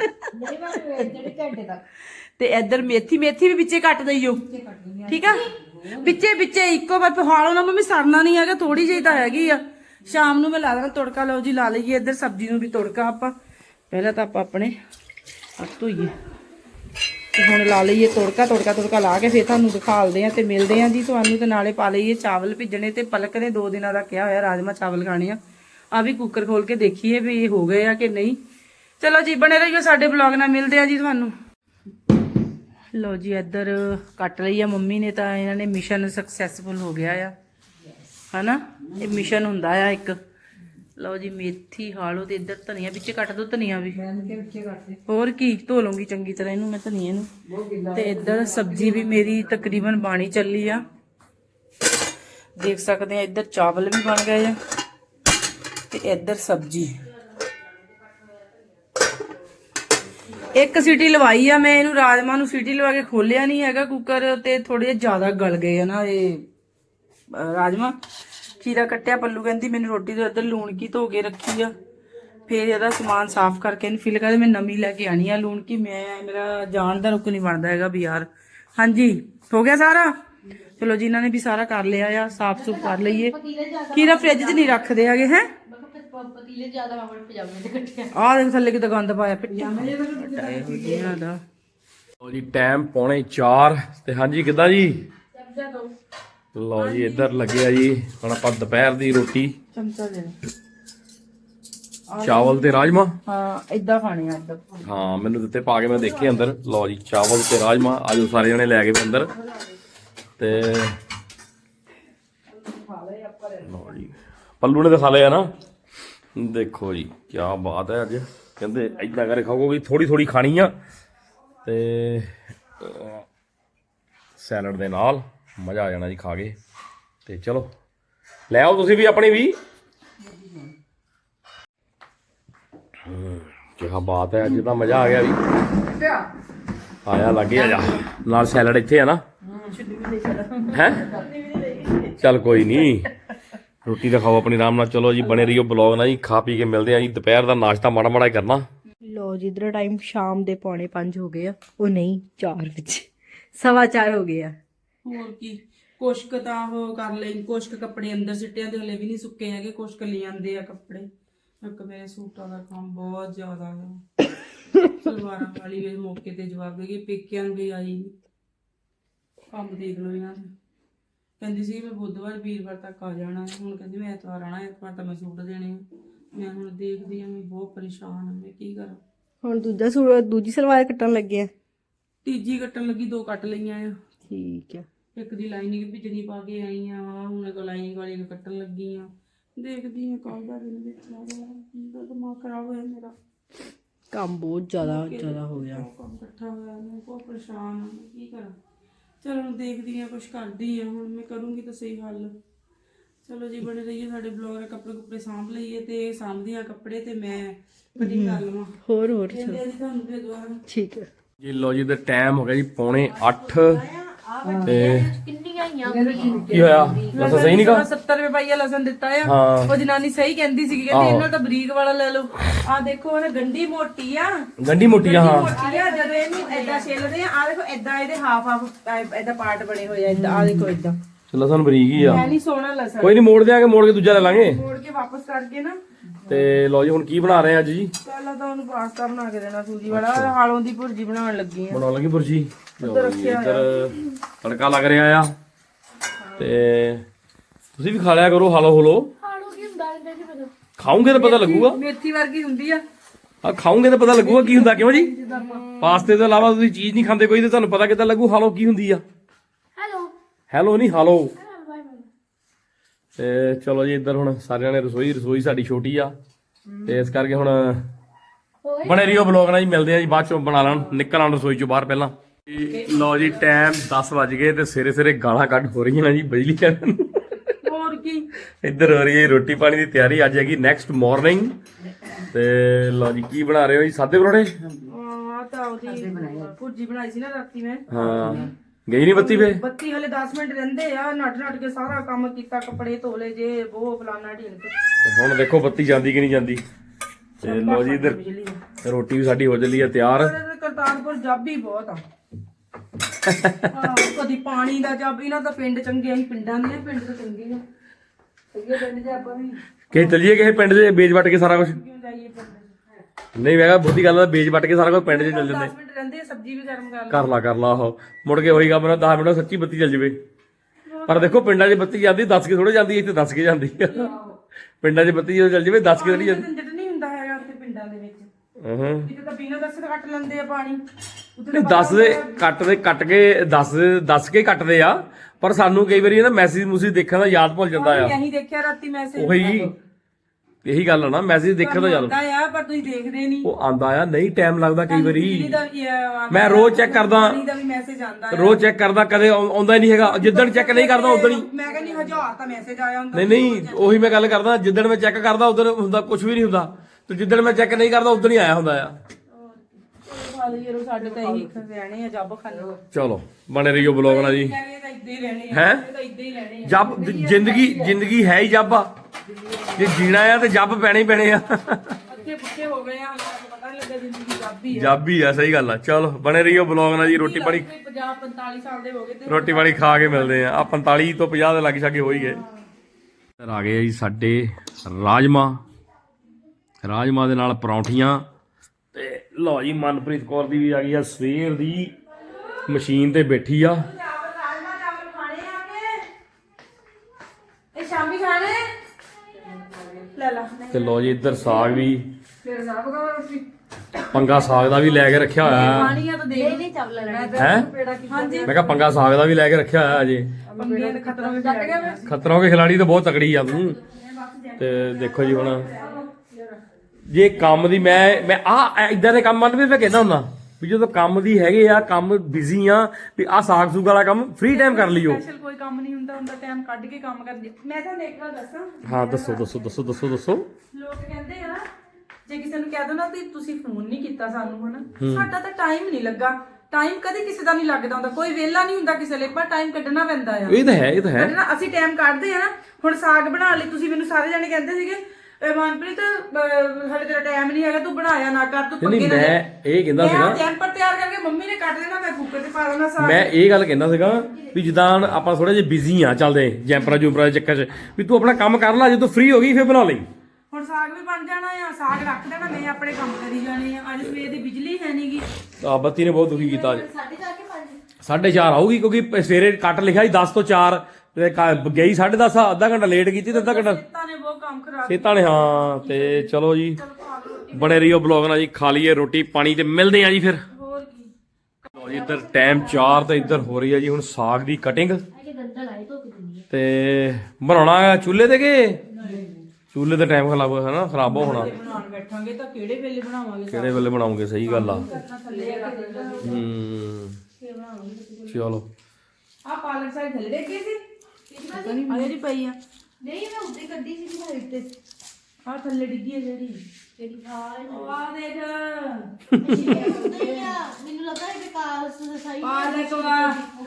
ਤੇ ਇੱਧਰ ਮੇਥੀ ਵੀ ਵਿੱਚੇ ਕੱਟ ਦਈਓ ਠੀਕ ਆ। ਵਿੱਚੇ ਇੱਕੋ ਵਾਰ ਹਾਲੋ ਨਾ ਮੰਮੀ ਸਰਨਾ ਨਹੀਂ ਹੈਗਾ। ਥੋੜੀ ਜਿਹੀ ਤਾਂ ਹੈਗੀ ਆ। ਸ਼ਾਮ ਨੂੰ ਮੈਂ ਲਾ ਦੇਣਾ ਤੜਕਾ। ਲਓ ਜੀ ਲਾ ਲਈਏ ਇੱਧਰ ਸਬਜ਼ੀ ਨੂੰ ਵੀ ਤੜਕਾ। ਆਪਾਂ ਪਹਿਲਾਂ ਤਾਂ ਆਪਾਂ ਆਪਣੇ ਹੱਥ ਧੋਈਏ ਤੇ ਹੁਣ ਲਾ ਲਈਏ ਤੜਕਾ ਲਾ ਕੇ ਫਿਰ ਤੁਹਾਨੂੰ ਦਿਖਾਲਦੇ ਆ ਤੇ ਮਿਲਦੇ ਆ ਜੀ ਤੁਹਾਨੂੰ। ਤੇ ਨਾਲੇ ਪਾ ਲਈਏ ਚਾਵਲ ਭਿੱਜਣੇ ਤੇ ਪਲਕ ਨੇ 2 ਦਿਨਾਂ ਦਾ ਕਿਹਾ ਹੋਇਆ ਰਾਜਮਾ ਚਾਵਲ ਖਾਣੇ ਆ। ਆ ਵੀ ਕੁੱਕਰ ਖੋਲ ਕੇ ਦੇਖੀਏ ਵੀ ਇਹ ਹੋ ਗਏ ਆ ਕਿ ਨਹੀਂ। ਚਲੋ ਜੀ ਬਣੇ ਰਹੀਓ ਸਾਡੇ ਬਲੌਗ ਨਾਲ। ਮਿਲਦੇ ਆ ਜੀ ਤੁਹਾਨੂੰ। ਲਓ ਜੀ ਇੱਧਰ ਕੱਟ ਲਈ ਆ ਮੰਮੀ ਨੇ ਤਾਂ ਇਹਨਾਂ ਨੇ ਮਿਸ਼ਨ ਸਕਸੈਸਫੁਲ ਹੋ ਗਿਆ ਆ ਹਨਾ। ਇਹ ਮਿਸ਼ਨ ਹੁੰਦਾ ਆ ਇੱਕ। ਲਓ ਜੀ ਮੇਥੀ ਹਾਲੋ ਤੇ ਇੱਧਰ ਧਨੀਆ ਵਿੱਚ ਕੱਟ ਦੋ। ਧਨੀਆ ਵੀ ਹੋਰ ਕੀ ਧੋ ਲਵਾਂਗੀ ਚੰਗੀ ਤਰ੍ਹਾਂ ਇਹਨੂੰ ਮੈਂ ਧਨੀਏ ਨੂੰ। ਤੇ ਇੱਧਰ ਸਬਜ਼ੀ ਵੀ ਮੇਰੀ ਤਕਰੀਬਨ ਬਾਣੀ ਚੱਲੀ ਆ ਦੇਖ ਸਕਦੇ ਆ। ਇੱਧਰ ਚਾਵਲ ਵੀ ਬਣ ਗਏ ਆ ਤੇ ਇੱਧਰ ਸਬਜ਼ੀ। ਇੱਕ ਸੀਟੀ ਲਵਾਈ ਆ ਮੈਂ ਇਹਨੂੰ, ਰਾਜਮਾ ਨੂੰ ਸੀਟੀ ਲਵਾ ਕੇ ਖੋਲਿਆ ਨਹੀਂ ਹੈਗਾ ਕੁੱਕਰ, ਤੇ ਥੋੜੇ ਜ਼ਿਆਦਾ ਗਲ ਗਏ ਆ ਨਾ ਇਹ ਰਾਜਮਾ। ਖੀਰਾ ਕੱਟਿਆ, ਪੱਲੂ ਕਹਿੰਦੀ ਮੈਨੂੰ ਰੋਟੀ ਦੇ ਅੰਦਰ ਲੂਣ ਕੀ ਧੋ ਕੇ ਰੱਖੀ ਆ, ਫਿਰ ਇਹਦਾ ਸਮਾਨ ਸਾਫ਼ ਕਰਕੇ ਇਹਨੂੰ ਫਿਲ ਕਰਦੇ। ਮੈਂ ਨਵੀਂ ਲੈ ਕੇ ਆਣੀ ਆ ਲੂਣ ਕੀ, ਮੇਰਾ ਜਾਣ ਦਾ ਰੁਕ ਨਹੀਂ ਬਣਦਾ ਹੈਗਾ ਵੀ ਯਾਰ। ਹਾਂਜੀ ਹੋ ਗਿਆ ਸਾਰਾ। ਚਲੋ ਜੀ, ਇਹਨਾਂ ਨੇ ਵੀ ਸਾਰਾ ਕਰ ਲਿਆ ਆ, ਸਾਫ਼ ਸੁਫ ਕਰ ਲਈਏ। ਖੀਰਾ ਫ੍ਰਿਜ 'ਚ ਨਹੀਂ ਰੱਖਦੇ ਹੈਗੇ ਹੈ।
ਪਤੀਲੇ ਜ਼ਿਆਦਾ ਆਪਣੇ ਪਜਾਮੇ ਦੇ ਕੱਟਿਆ।
ਆਹ ਦੇਖ ਥੱਲੇ ਕਿਤੇ ਗੰਦ ਪਾਇਆ ਪਿੱਛੇ ਦਾ।
ਲਓ ਜੀ ਟਾਈਮ 3:45 ਤੇ ਹਾਂਜੀ ਕਿੱਦਾਂ ਜੀ? ਲਓ ਜੀ ਇੱਧਰ ਲੱਗਿਆ ਜੀ ਹੁਣ ਆਪਾਂ ਦੁਪਹਿਰ ਦੀ ਰੋਟੀ,
ਚਮਚਾ ਦੇ
ਚਾਵਲ ਤੇ ਰਾਜਮਾ।
ਹਾਂ ਇਦਾਂ ਖਾਣੇ ਆ ਇੱਦਾਂ।
ਹਾਂ ਮੈਨੂੰ ਦਿੱਤੇ ਪਾ ਕੇ, ਮੈਂ ਦੇਖੇ ਅੰਦਰ। ਲਓ ਜੀ ਚਾਵਲ ਤੇ ਰਾਜਮਾ, ਆਜੋ ਸਾਰੇ ਜਣੇ ਲੈ ਕੇ ਅੰਦਰ। ਤੇ ਲਓ ਜੀ ਪੱਲੂ ਨੇ ਤਾਂ ਖਾ ਲਿਆ ਨਾ। ਦੇਖੋ ਜੀ ਕੀ ਬਾਤ ਹੈ, ਅੱਜ ਕਹਿੰਦੇ ਏਦਾਂ ਕਰੇ ਖਾਓਗੇ, ਥੋੜੀ ਥੋੜੀ ਖਾਣੀ ਆ ਤੇ ਸੈਲਡ ਦੇ ਨਾਲ ਮਜ਼ਾ ਆ ਜਾਣਾ ਜੀ ਖਾ ਕੇ। ਤੇ ਚਲੋ ਲੈ ਆਓ ਤੁਸੀਂ ਵੀ ਆਪਣੀ ਵੀ। ਕੀ ਬਾਤ ਹੈ, ਅੱਜ ਤਾਂ ਮਜ਼ਾ ਆ ਗਿਆ ਵੀ। ਆਇਆ ਲੱਗੇ ਆ ਜਾ ਨਾਲ ਸੈਲਡ ਇੱਥੇ ਆ ਨਾ ਹੈ। ਚੱਲ ਕੋਈ ਨਹੀਂ, ਰੋਟੀ ਤਾਂ ਖਾਓ ਆਪਣੀ ਆਰਾਮ ਨਾਲ। ਚਲੋ ਜੀ ਬਣੇ ਰਹੀਓ ਬਲੌਗ ਨਾਲ ਜੀ, ਖਾ ਪੀ ਕੇ ਮਿਲਦੇ ਆ ਜੀ। ਦੁਪਹਿਰ ਦਾ ਨਾਸ਼ਤਾ ਮਾੜਾ ਮਾੜਾ ਹੀ ਕਰਨਾ।
ਲੋ ਜਿੱਧਰ ਟਾਈਮ ਸ਼ਾਮ ਦੇ 4:45 ਹੋ ਗਏ ਆ, ਉਹ ਨਹੀਂ 4 ਵਜੇ 4:15 ਹੋ ਗਏ ਆ।
ਹੋਰ ਕੀ, ਕੁਸ਼ਕ ਤਾਂ ਉਹ ਕਰ ਲਈ, ਕੁਸ਼ਕ ਕੱਪੜੇ ਅੰਦਰ ਸਿੱਟਿਆਂ ਦੇ ਹਲੇ ਵੀ ਨਹੀਂ ਸੁੱਕੇ ਹੈਗੇ, ਕੁਸ਼ਕ ਲੈ ਆਂਦੇ ਆ ਕੱਪੜੇ। ਇੱਕ ਮੇਰੇ ਸੂਟਾਂ ਦਾ ਕੰਮ ਬਹੁਤ ਜ਼ਿਆਦਾ ਹੈ, ਸਲਵਾਰਾਂ ਵਾਲੀ ਵੀ ਮੌਕੇ ਤੇ ਜਵਾਬ ਦੇ ਗਈ, ਪੇਕਿਆਂ ਨੂੰ ਵੀ ਆਈ ਨਹੀਂ। ਕੰਮ ਦੇਖ ਲਓ ਇਹਨਾਂ ਦੇ। ਕਹਿੰਦੀ ਸੀ ਮੈਂ ਬੁੱਧਵਾਰ ਵੀਰਵਾਰ ਤੱਕ ਆ ਜਾਣਾ, ਹੁਣ ਕਹਿੰਦੀ ਮੈਂ ਐਤਵਾਰ ਆਣਾ, ਐਤਵਾਰ ਤਾਂ ਮੈਂ ਸੂਟ ਦੇਣੇ ਆ। ਮੈਂ ਹੁਣ ਦੇਖਦੀ ਆ, ਮੈਂ ਬਹੁਤ ਪਰੇਸ਼ਾਨ ਆ, ਮੈਂ ਕੀ ਕਰਾਂ।
ਹੁਣ ਦੂਜੀ ਸਲਵਾਰ ਕੱਟਣ ਲੱਗੇ ਆ।
ਤੀਜੀ ਕੱਟਣ ਲੱਗੀ, 2 ਕੱਟ ਲਈਆਂ ਆ।
ਠੀਕ ਆ।
ਇੱਕ ਦੀ ਲਾਈਨਿੰਗ ਭਿਜਣੀ ਪਾ ਕੇ ਆਈ ਆ, ਹੁਣ ਇੱਕ ਲਾਈਨਿੰਗ ਵਾਲੀ ਨੂੰ ਕੱਟਣ ਲੱਗੀ ਆ। ਦੇਖਦੀ ਆ ਕੱਲ ਦਾ ਦਿਨ ਦੇਖਣਾ, ਦਿਮਾਗ ਖਰਾਬ ਹੋਇਆ ਮੇਰਾ।
ਕੰਮ ਬਹੁਤ ਜ਼ਿਆਦਾ ਹੋ ਗਿਆ।
ਕੰਮ ਇਕੱਠਾ ਹੋਇਆ, ਮੈਂ ਬਹੁਤ ਪਰੇਸ਼ਾਨ ਆ, ਮੈਂ ਕੀ ਕਰਾਂ। ਚਲੋ ਹੁਣ ਦੇਖਦੀ ਆ, ਕੁਛ ਕਰਦੀ ਆ, ਹੁਣ ਮੈਂ ਕਰੂੰਗੀ ਤਾਂ ਸਹੀ ਹੱਲ। ਚਲੋ ਜੀ ਬਣੇ ਰਹੀਏ ਸਾਡੇ ਬਲੌਗ ਦੇ। ਕੱਪੜੇ ਕੁੱਪੜੇ ਸਾਂਭ ਲਈਏ ਤੇ ਸਾਂਭਦੀਆਂ ਕੱਪੜੇ ਤੇ ਮੈਂ ਕਦੀ ਕਰ ਲਵਾਂ।
ਹੋਰ
ਕਹਿੰਦੇ ਆ ਜੀ ਤੁਹਾਨੂੰ ਫਿਰ ਦੁਬਾਰਾ।
ਠੀਕ ਹੈ
ਜੀ ਲਓ ਜੀ, ਦਾ ਟਾਈਮ ਹੋ ਗਿਆ ਜੀ 7:45 ਤੇ
ਕਿੰਨੀਆਂ ਆਈਆਂ
ਕੀ ਹੋਇਆ? ਲਸਣ ਸਹੀ ਨਹੀਂ ਕਾ?
70 ਰੁਪਏ ਪਾਈਆ ਲਸਣ ਦਿੱਤਾ ਆ।
ਹਾਂ।
ਉਹ ਜਨਾਨੀ ਸਹੀ ਕਹਿੰਦੀ ਸੀ, ਕਹਿੰਦੀ ਇਹਨਾਂ ਤਾਂ ਬਰੀਕ ਵਾਲਾ ਲੈ ਲਓ। ਆ ਦੇਖੋ ਇਹ ਗੰਢੀ ਮੋਟੀ ਆ,
ਗੰਢੀ ਮੋਟੀ ਆ। ਹਾਂ
ਮੋਟੀ ਆ। ਜਦੋਂ ਇਹਨੂੰ ਏਦਾਂ ਛਿੱਲਦੇ ਆ ਦੇਖੋ ਏਦਾਂ ਇਹਦੇ ਹਾਫ ਏਦਾਂ ਪਾਰਟ ਬਣੇ ਹੋਏ ਆ, ਏਦਾਂ ਆ ਦੇਖੋ ਏਦਾਂ।
ਲਸਣ ਬਰੀਕ ਹੀ ਆ।
ਹੈ ਨਹੀਂ ਸੋਹਣਾ ਲਸਣ।
ਕੋਈ ਨਹੀਂ, ਮੋੜ ਦਿਆਂਗੇ, ਮੋੜ ਕੇ ਦੂਜਾ ਲੈ ਲਾਂਗੇ।
ਮੋੜ ਕੇ ਵਾਪਸ ਕਰਕੇ ਨਾ।
ਤੇ ਲਓ ਜੀ ਹੁਣ ਕੀ ਬਣਾ ਰਹੇ ਆ ਅੱਜ ਜੀ?
ਪਹਿਲਾਂ ਤਾਂ ਉਹਨੂੰ ਪਾਸਤਾ ਬਣਾ ਕੇ ਦੇਣਾ, ਸੂਜੀ ਵਾਲਾ। ਹਾਲੋਂ ਦੀ ਭੁਰਜੀ ਬਣਾਉਣ ਲੱਗੀ ਆ।
ਬਣਾਉਣ ਲੱਗੀ ਭੁਰਜੀ। ਇੱਧਰ ਤੜਕਾ ਲੱਗ ਰਿਹਾ ਆ ਤੇ ਤੁਸੀਂ ਵੀ ਖਾ ਲਿਆ ਕਰੋ। ਹਾਲੋ ਹੋਲੋ
ਹਾਲੋ ਕੀ ਹੁੰਦਾ ਨਹੀਂ ਦੇਖੀ ਪਤਾ।
ਖਾਓਗੇ ਤਾਂ ਪਤਾ ਲੱਗੂਗਾ।
ਮੇਥੀ ਵਰਗੀ ਹੁੰਦੀ ਆ।
ਆ ਖਾਓਗੇ ਤਾਂ ਪਤਾ ਲੱਗੂਗਾ ਕੀ ਹੁੰਦਾ। ਕਿਉਂ ਜੀ? ਪਾਸਤੇ ਤੋਂ ਇਲਾਵਾ ਤੁਸੀਂ ਚੀਜ਼ ਨਹੀਂ ਖਾਂਦੇ ਕੋਈ, ਤੇ ਤੁਹਾਨੂੰ ਪਤਾ ਕਿੱਦਾਂ ਲੱਗੂ ਹਾਲੋ ਕੀ ਹੁੰਦੀ ਆ?
ਹੈਲੋ
ਹੈਲੋ ਨਹੀਂ ਹਾਲੋ।
Bye bye.
ਤੇ ਚਲੋ ਜੀ ਇੱਧਰ ਹੁਣ ਸਾਰਿਆਂ ਨੇ ਰਸੋਈ ਸਾਡੀ ਛੋਟੀ ਆ ਤੇ ਇਸ ਕਰਕੇ ਹੁਣ ਬਣੇ ਰਹੀਓ ਬਲੌਗ ਨਾਲ ਜੀ। ਮਿਲਦੇ ਆ ਜੀ ਬਾਅਦ ਚੋਂ, ਬਣਾ ਲੈਣ ਨਿਕਲ ਆਉਣ ਰਸੋਈ ਚੋਂ ਬਾਹਰ ਪਹਿਲਾਂ। ਲਓ ਜੀ ਟਾਈਮ 10 ਵੱਜ ਗਏ ਤੇ ਸਵੇਰੇ ਗਾਲਾਂ ਕੱਢ ਹੋ ਰਹੀਆਂ ਨੇ ਜੀ ਬਿਜਲੀ ਵਾਲਿਆਂ ਨੂੰ।
ਹੋਰ ਕੀ।
ਇੱਧਰ ਹੋ ਰਹੀ ਹੈ ਰੋਟੀ ਪਾਣੀ ਦੀ ਤਿਆਰੀ। ਅੱਜ ਹੈਗੀ ਨੈਕਸਟ ਮਾਰਨਿੰਗ। ਤੇ ਲਓ ਜੀ ਕੀ ਬਣਾ ਰਹੇ ਹੋ ਜੀ? ਸਾਦੇ ਪਰੌਂਠੇ।
ਹਾਂ ਤਾਂ ਉਹਦੀ ਭੁਰਜੀ ਬਣਾਈ ਸੀ ਨਾ ਰਾਤੀ ਮੈਂ।
ਹਾਂ ਗਈ ਨਹੀਂ ਬੱਤੀ ਫੇ?
ਬੱਤੀ ਹਲੇ 10 ਮਿੰਟ ਰਹਿੰਦੇ ਆ। ਨੱਠ ਕੇ ਸਾਰਾ ਕੰਮ ਕੀਤਾ, ਕੱਪੜੇ ਧੋ ਲਏ ਜੇ ਉਹ ਫਲਾਨਾ ਢੀਂਗ।
ਹੁਣ ਦੇਖੋ ਬੱਤੀ ਜਾਂਦੀ ਕਿ ਨਹੀਂ ਜਾਂਦੀ। ਤੇ ਲਓ ਜੀ ਇੱਧਰ ਰੋਟੀ ਵੀ ਸਾਡੀ ਹੋ ਚੱਲੀ ਆ ਤਿਆਰ।
ਕਰਤਾਰਪੁਰ ਜਾਬੀ ਬਹੁਤ ਆ। ਕਦੀ ਪਾਣੀ ਦਾ ਜੱਬ। ਇਹਨਾਂ ਦਾ ਪਿੰਡ ਚੰਗੇ, ਅਸੀਂ ਪਿੰਡਾਂ ਦੇ, ਪਿੰਡ ਤਾਂ ਚੰਗੇ ਆ। ਪਿੰਡ 'ਚ ਆਪਾਂ ਵੀ
ਕਿ ਚੱਲੀਏ ਕਿਸੇ ਪਿੰਡ 'ਚ ਵੇਚ ਵੱਟ ਕੇ ਸਾਰਾ ਕੁਝ।
ਕਿਉਂ ਜਾਈਏ ਪਿੰਡ 'ਚ?
ਨਹੀਂ ਮੈਂ ਕਿਹਾ ਬਹੁਤੀ ਗੱਲ ਆ, ਵੇਚ ਵੱਟ ਕੇ ਸਾਰਾ ਕੁਝ ਪਿੰਡ 'ਚ ਚੱਲ ਜਾਂਦੇ।
10 ਮਿੰਟ ਰਹਿੰਦੇ ਆ, ਸਬਜ਼ੀ ਵੀ ਗਰਮ
ਕਰ ਲਾ ਉਹ ਮੁੜ ਕੇ ਉਹੀ ਕੰਮ ਨਾ 10 ਮਿੰਟ ਸੱਚੀ ਬੱਤੀ ਚੱਲ ਜਵੇ। ਪਰ ਦੇਖੋ ਪਿੰਡਾਂ 'ਚ ਬੱਤੀ ਜਾਂਦੀ 10 ਕੇ ਥੋੜੇ ਜਾਂਦੀ, ਇੱਥੇ 10 ਕੇ ਜਾਂਦੀ ਆ। ਪਿੰਡਾਂ 'ਚ ਬੱਤੀ ਜਦੋਂ ਚੱਲ ਜਵੇ 10 ਕੇ ਥੋੜੀ ਜਾਂਦੀ।
ਝੰਜਟ ਨਹੀਂ ਹੁੰਦਾ ਹੈਗਾ ਉੱਥੇ ਪਿੰਡਾਂ ਦੇ ਵਿੱਚ।
ਹਾਂ
ਕਿਤੇ ਤਾਂ ਬਿਨਾਂ ਦੱਸੇ ਕੱਟ ਲੈਂਦੇ ਆ ਪਾਣੀ।
ਦੱਸ ਦੇ ਕੱਟ ਕੇ ਦੱਸ ਕੇ ਕੱਟਦੇ ਆ। ਪਰ ਸਾਨੂੰ ਕਈ ਵਾਰੀ ਨਾ ਮੈਸੇਜ ਮੂਸੇਜ ਦੇਖਣ ਦਾ ਯਾਦ ਭੁੱਲ ਜਾਂਦਾ ਆ।
ਅਸੀਂ ਦੇਖਿਆ ਰਾਤੀ ਮੈਸੇਜ।
ਉਹੀ ਇਹੀ ਗੱਲ ਆ ਨਾ, ਮੈਸੇਜ ਦੇਖਣ ਦਾ ਯਾਦ
ਆਉਂਦਾ ਆ ਪਰ ਤੁਸੀਂ ਦੇਖਦੇ ਨਹੀਂ।
ਉਹ ਆਂਦਾ ਆ, ਨਹੀਂ ਟਾਈਮ ਲੱਗਦਾ ਕਈ ਵਾਰੀ।
ਬਿਜਲੀ ਦਾ ਵੀ ਆਉਂਦਾ,
ਮੈਂ ਰੋਜ਼ ਚੈੱਕ ਕਰਦਾ,
ਪਾਣੀ ਦਾ ਵੀ ਮੈਸੇਜ ਆਉਂਦਾ ਆ।
ਰੋਜ਼ ਚੈੱਕ ਕਰਦਾ, ਕਦੇ ਆਉਂਦਾ ਹੀ ਨਹੀਂ ਹੈਗਾ। ਜਿੱਦਣ ਚੈੱਕ ਨਹੀਂ ਕਰਦਾ ਉਦੋਂ ਹੀ।
ਮੈਂ ਕਹਿੰਦੀ 1000 ਤਾਂ ਮੈਸੇਜ ਆਇਆ ਹੁੰਦਾ।
ਨਹੀਂ ਉਹੀ ਮੈਂ ਗੱਲ ਕਰਦਾ, ਜਿੱਦਣ ਮੈਂ ਚੈੱਕ ਕਰਦਾ ਉਦੋਂ ਹੁੰਦਾ ਕੁਝ ਵੀ ਨਹੀਂ ਹੁੰਦਾ, ਤੇ ਜਿੱਦਣ ਮੈਂ ਚੈੱਕ ਨਹੀਂ ਕਰਦਾ ਉਦੋਂ ਹੀ ਆਇਆ ਹੁੰਦਾ ਆ।
ਖਾ ਲਈਏ ਰੋ ਸਾਡੇ ਤਾਂ ਇਹੀ ਰਹਿਣੇ ਆ ਜੱਬ ਖਾਣੇ
ਚਲੋ ਬਣੇ ਰਹੀਓ ਬਲੌਗ ਨਾਲ ਜੀ
ਇਹ ਤਾਂ ਇੱਦਾਂ ਹੀ ਰਹਿਣੇ ਆ
ਹੈ
ਇਹ ਤਾਂ ਇੱਦਾਂ ਹੀ ਰਹਿਣੇ ਆ
ਜੱਬ ਜ਼ਿੰਦਗੀ ਹੈ ਹੀ ਜੱਬ ਆ ਜੇ ਜੀਣਾ ਆ ਤੇ ਜੱਬ ਪੈਣੇ ਹੀ ਪੈਣੇ ਆ
ਅੱਧੇ ਪੁੱਠੇ ਹੋ ਗਏ ਆ ਹੁਣ ਤੱਕ ਪਤਾ ਨਹੀਂ ਲੱਗਾ ਜ਼ਿੰਦਗੀ ਜੱਬ ਹੀ ਆ
ਜੱਬ ਹੀ ਆ ਸਹੀ ਗੱਲ ਆ ਚਲੋ ਬਣੇ ਰਹੀਓ ਬਲੌਗ ਨਾਲ ਜੀ ਰੋਟੀ ਪਾਣੀ
50 45 ਸਾਲ ਦੇ ਹੋ ਗਏ ਤੇ
ਰੋਟੀ ਪਾਣੀ ਖਾ ਕੇ ਮਿਲਦੇ ਆ 45 ਤੋਂ 50 ਦੇ ਲੱਗ ਛਾਗੇ ਹੋ ਹੀ ਗਏ ਇੱਧਰ ਆ ਗਏ ਆ ਜੀ ਸਾਡੇ ਰਾਜਮਾ ਦੇ ਨਾਲ ਪਰੌਂਠੀਆਂ ਤੇ ਲਓ ਜੀ ਮਨਪ੍ਰੀਤ ਕੌਰ ਦੀ ਵੀ ਆ ਗਈ ਆ ਸਵੇਰ ਦੀ ਮਸ਼ੀਨ ਤੇ ਬੈਠੀ ਆ
ਰਾਜਮਾ ਚਾਵਲ ਖਾਣੇ ਆ ਕੇ ਇਹ ਸ਼ਾਮੀ ਖਾਣੇ ਲੈ ਲਾ
ਤੇ ਲਓ ਜੀ ਇੱਧਰ ਸਾਗ ਵੀ
ਫਿਰ ਨਾ ਪਕਾਵਾ ਰੋਟੀ
ਪੰਗਾ ਸਾਗ ਦਾ ਵੀ ਲੈ ਕੇ ਰੱਖਿਆ ਹੋਇਆ
ਖਾਣੀ ਆ ਤਾਂ ਦੇਖ ਨਹੀਂ ਚਾਵਲ ਲੈਣੇ
ਹੈ
ਹਾਂਜੀ
ਮੈਂ ਕਿਹਾ ਪੰਗਾ ਸਾਗ ਦਾ ਵੀ ਲੈ ਕੇ ਰੱਖਿਆ ਹੋਇਆ ਅਜੇ
ਪੰਗੇ ਖਤਰਾ ਵਿੱਚ ਚੱਟ ਗਿਆ
ਖਤਰੋਂ ਕੇ ਖਿਲਾੜੀ ਤਾਂ ਬਹੁਤ ਤਕੜੀ ਆ ਤੂੰ ਤੇ ਦੇਖੋ ਜੀ ਹੁਣ ਜੇ ਕੰਮ ਦੀ ਮੈਂ ਆ ਇਦਾਂ ਦੇ ਕੰਮ ਮਨ ਵੀ ਮੈਂ ਕਹਿੰਦਾ ਹੁੰਦਾ ਵੀ ਜਦੋਂ ਕੰਮ ਦੀ ਹੈਗੇ ਆ ਕੰਮ ਬਿਜ਼ੀ ਆ ਵੀ ਆ ਸਾਗ ਸੂਗ ਵਾਲਾ ਕੰਮ ਫ੍ਰੀ ਟਾਈਮ ਕਰ ਲਿਓ
ਸਪੈਸ਼ਲ ਕੋਈ ਕੰਮ ਨਹੀਂ ਹੁੰਦਾ ਟਾਈਮ ਕੱਢ ਕੇ ਕੰਮ ਕਰਦੀ ਮੈਂ ਤੁਹਾਨੂੰ ਇੱਕ ਗੱਲ ਦੱਸਾਂ
ਹਾਂ ਦੱਸੋ
ਲੋਕ ਕਹਿੰਦੇ ਆ ਨਾ ਜੇ ਕਿਸੇ ਨੂੰ ਕਹਿ ਦੋ ਨਾ ਕਿ ਤੁਸੀਂ ਫੋਨ ਨਹੀਂ ਕੀਤਾ ਸਾਨੂੰ ਹਨਾ ਸਾਡਾ ਤਾਂ ਟਾਈਮ ਨਹੀਂ ਲੱਗਾ ਟਾਈਮ ਕਦੇ ਕਿਸੇ ਦਾ ਨਹੀਂ ਲੱਗਦਾ ਹੁੰਦਾ ਕੋਈ ਵਿਹਲਾ ਨਹੀਂ ਹੁੰਦਾ ਕਿਸੇ ਲਈ ਪਰ ਟਾਈਮ ਕੱਢਣਾ ਪੈਂਦਾ ਆ
ਇਹ ਤਾਂ ਹੈ
ਕੱਢਣਾ ਅਸੀਂ ਟਾਈਮ ਕੱਢਦੇ ਆ ਨਾ ਹੁਣ ਸਾਗ ਬਣਾ ਲਈ ਤੁਸੀਂ ਮੈਨੂੰ ਸਾਰੇ ਜਣੇ ਕਹਿੰਦੇ ਸੀਗੇ ਮਨਪ੍ਰੀਤ ਸਾਡੇ ਤੇਰਾ ਟਾਈਮ ਨਹੀਂ ਹੈਗਾ ਤੂੰ ਬਣਾਇਆ ਨਾ ਕਰ ਤੂੰ
ਨਹੀਂ ਮੈਂ ਇਹ ਕਹਿੰਦਾ ਸੀਗਾ
ਜੈਂਪਰ ਤਿਆਰ ਕਰਕੇ ਮੰਮੀ ਨੇ ਕੱਟ ਦੇਣਾ ਮੈਂ ਕੁੱਕਰ 'ਚ ਪਾ ਦੇਣਾ ਸਾਗ
ਮੈਂ ਇਹ ਗੱਲ ਕਹਿੰਦਾ ਸੀਗਾ ਵੀ ਜਿੱਦਾਂ ਆਪਾਂ ਥੋੜੇ ਜਿਹਾ ਬਿਜ਼ੀ ਆ ਚੱਲਦੇ ਜੈਂਪਰਾ ਜੂਪਰਾ ਦੇ ਚੱਕਰ 'ਚ ਵੀ ਤੂੰ ਆਪਣਾ ਕੰਮ ਕਰ ਲੈ ਜਦੋਂ ਫ੍ਰੀ ਹੋ ਗਈ ਫਿਰ ਬਣਾ ਲਈ
ਹੁਣ ਸਾਗ ਵੀ ਬਣ ਜਾਣਾ ਆ ਸਾਗ ਰੱਖ ਦੇਣਾ ਮੈਂ ਆਪਣੇ ਕੰਮ ਕਰੀ ਜਾਣੇ ਆ ਅੱਜ ਸਵੇਰ ਦੀ ਬਿਜਲੀ ਹੈ ਨਹੀਂਗੀ
ਆ ਬੱਤੀ ਨੇ ਬਹੁਤ ਦੁਖੀ ਕੀਤਾ ਅੱਜ 4:30 ਆਊਗੀ ਕਿਉਂਕਿ ਸਵੇਰੇ ਕੱਟ ਲਿਖਿਆ ਸੀ 10 ਤੋਂ 4 ਤੇ ਗਈ 10:30 ਅੱਧਾ ਘੰਟਾ ਲੇਟ ਕੀਤੀ ਤੇ ਅੱਧਾ ਘੰਟਾ
ਤਾਂ ਨੇ ਬਹੁਤ ਕੰਮ ਖਰਾਬ
ਸੇਤਾਂ ਨੇ ਹਾਂ ਤੇ ਚਲੋ ਜੀ ਬਣੇ ਰਹੀਓ ਬਲੌਗ ਨਾਲ ਜੀ ਖਾ ਲਈਏ ਰੋਟੀ ਪਾਣੀ ਤੇ ਮਿਲਦੇ ਆ ਜੀ ਫਿਰ
ਹੋਰ ਕੀ
ਲਓ ਜੀ ਇੱਧਰ ਟਾਈਮ 4 ਤੇ ਇੱਧਰ ਹੋ ਰਹੀ ਹੈ ਜੀ ਹੁਣ ਸਾਗ ਦੀ ਕਟਿੰਗ ਤੇ ਬਣਾਉਣਾ ਚੁੱਲ੍ਹੇ ਤੇ ਕਿ ਚੁੱਲ੍ਹੇ ਤੇ ਟਾਈਮ ਖਰਾਬ ਹੋਣਾ
ਬਣਾਉਣ ਬੈਠਾਂਗੇ ਤਾਂ ਕਿਹੜੇ ਵੇਲੇ ਬਣਾਵਾਂਗੇ
ਕਿਹੜੇ ਵੇਲੇ ਬਣਾਉਂਗੇ ਸਹੀ ਗੱਲ ਆ ਚਲੋ
ਆ ਪਾਲਕ ਸਾਰੀ ਥੱਲੇ ਡੇਗੀ ਸੀ ਆ ਜਿਹੜੀ ਪਈ ਆ
ਨਹੀਂ ਮੈਂ ਉੱਤੇ ਕੱਢੀ ਸੀ ਸਾਈਡ ਤੇ
ਆ ਥੱਲੇ ਡਿੱਗੀ ਆ ਜਿਹੜੀ
ਜਿਹੜੀ
ਆ ਦੇਖ
ਮੈਨੂੰ ਲੱਗਾ ਹੈ ਵਿਕਾਸ ਸਹੀ
ਪਾਲਕ ਵਾ